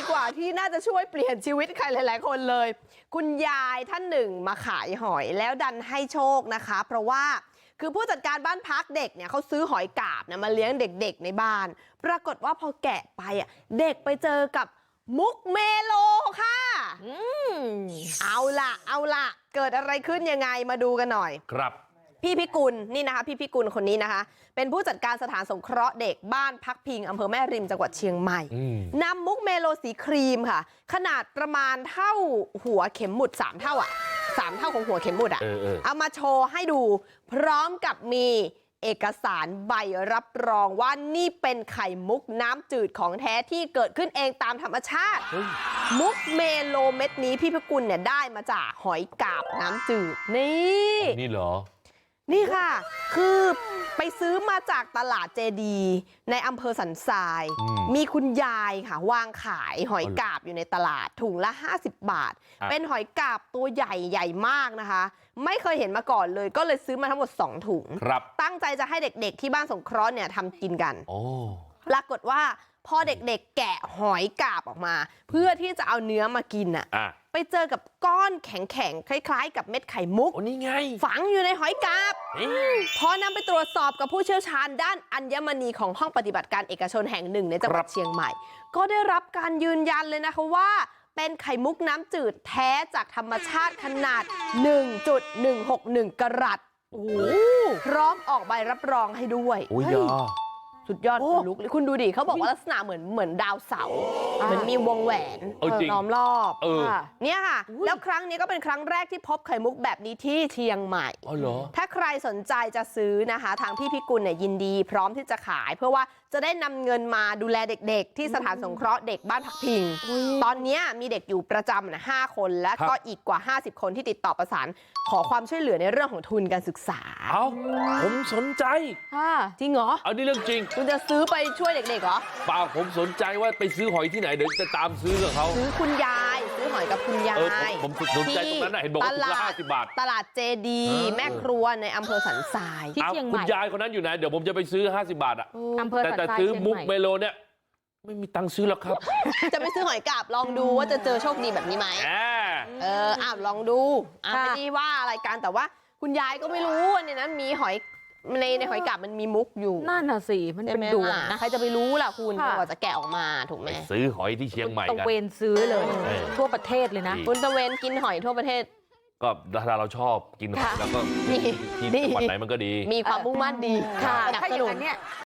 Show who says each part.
Speaker 1: กว่าที่น่าจะช่วยเปลี่ยนชีวิตใครหลายๆคนเลยคุณยายท่านหนึ่งมาขายหอยแล้วดันให้โชคนะคะเพราะว่าคือผู้จัดการบ้านพักเด็กเนี่ยเขาซื้อหอยกาบเนี่ยมาเลี้ยงเด็กๆในบ้านปรากฏว่าพอแกะไปอ่ะเด็กไปเจอกับมุกเมโลค่ะเอาล่ะเกิดอะไรขึ้นยังไงมาดูกันหน่อย
Speaker 2: ครับ
Speaker 1: พี่พิกุลนี่นะคะพี่พิกุลคนนี้นะคะเป็นผู้จัดการสถานสงเคราะห์เด็กบ้านพักพิงอำเภอแม่ริมจังหวัดเชียงใหม่นำมุกเมโลสีครีมค่ะขนาดประมาณเท่าหัวเข็มหมุด3เท่าอ่ะ3เท่าของหัวเข็มหมุดอ่ะเอามาโชว์ให้ดูพร้อมกับมีเอกสารใบรับรองว่านี่เป็นไข่มุกน้ำจืดของแท้ที่เกิดขึ้นเองตามธรรมชาติมุกเมโลเม็ดนี้พี่พิกุลเนี่ยได้มาจากหอยกาบน้ำจืดนี่
Speaker 2: เหรอ
Speaker 1: นี่ค่ะคือไปซื้อมาจากตลาดเจดีในอำเภอสันทรายมีคุณยายค่ะวางขายหอยกาบอยู่ในตลาดถุงละ50 บาทเป็นหอยกาบตัวใหญ่มากนะคะไม่เคยเห็นมาก่อนเลยก็เลยซื้อมาทั้งหมด2 ถุงตั้งใจจะให้เด็กๆที่บ้านสงเคราะห์เนี่ยทำกินกันปรากฏว่าพอเด็กๆแกะหอยกาบออกมาเพื่อที่จะเอาเนื้อมากินอ่ะไปเจอกับก้อนแข็งๆคล้ายๆกับเม็ดไข่มุก
Speaker 2: นี่ไง
Speaker 1: ฝังอยู่ในหอยกาบพอนำไปตรวจสอบกับผู้เชี่ยวชาญด้านอัญมณีของห้องปฏิบัติการเอกชนแห่งหนึ่งในจังหวัดเชียงใหม่ก็ได้รับการยืนยันเลยนะคะว่าเป็นไข่มุกน้ำจืดแท้จากธรรมชาติขนาด 1.161 กะรัตพร้อมออกใบรับรองให้ด้วยสุดยอดคุณลุกคุณดูดิเขาบอกว่าลักษณะเหมือนดาวเสาร์เหมือนมีวงแหวนล้อมรอบเนี่ยค่ะแล้วครั้งนี้ก็เป็นครั้งแรกที่พบไข่มุกแบบนี้ที่เชียงใหม่ถ้าใครสนใจจะซื้อนะคะทางพี่พิกุลเนี่ยยินดีพร้อมที่จะขายเพื่อว่าจะได้นำเงินมาดูแลเด็กๆที่สถานสงเคราะห์เด็กบ้านพักพิงตอนนี้มีเด็กอยู่ประจำนะ5 คนและก็อีกกว่า50 คนที่ติดต่อประสานขอความช่วยเหลือในเรื่องของทุนการศึกษา
Speaker 2: ผมสนใจ
Speaker 1: จริงเหรอ
Speaker 2: อันนี้เรื่องจริง
Speaker 1: คุณจะซื้อไปช่วยเด็กๆเหรอ
Speaker 2: เปล่าผมสนใจว่าไปซื้อหอยที่ไหนเดี๋ยวจะตามซื้อกับเขา
Speaker 1: ซื้อคุณยายซื้อหอยกับคุณยาย
Speaker 2: ผมสนใจตรงนั้นนะเห็นบอกว่าถุงละ50 บาท
Speaker 1: ตลาดเจดีแม่ครัวในอำเภอสันทราย
Speaker 3: ที่เชียงใหม่
Speaker 2: คุณยายคนนั้นอยู่ไหนเดี๋ยวผมจะไปซื้อ50 บาทอ่ะ
Speaker 3: อำเภอสันทราย
Speaker 2: แต่ซื้อมุกเมโลเนี่ยไม่มีตังค์ซื้อแล้วครับ
Speaker 1: จะไปซื้อหอยกาบลองดูว่าจะเจอโชคดีแบบนี้ไหมลองดูไม่ได้ว่าอะไรกันแต่ว่าคุณยายก็ไม่รู้เนี่ยนะมีหอยในหอยกาบมันมีมุกอยู่
Speaker 3: นั่นน่ะสิมันเป็นดวงนะ
Speaker 1: ใครจะไปรู้ล่ะคุณกว่าจะแกะออกมาถูกไหม
Speaker 2: ซื้อหอยที่เชียงใหม่กัน
Speaker 3: ตะเวนซื้อเลยทั่วประเทศเลยนะ
Speaker 1: คุณตะเวนกินหอยทั่วประเทศ
Speaker 2: ก็ถ้าเราชอบกินหอยแล้วก็ที่จังหวัดไหนมันก็ดี
Speaker 1: มีความมุ่งมั่นดี
Speaker 3: ค่ะถ้าอย่างนั้นเนี่ย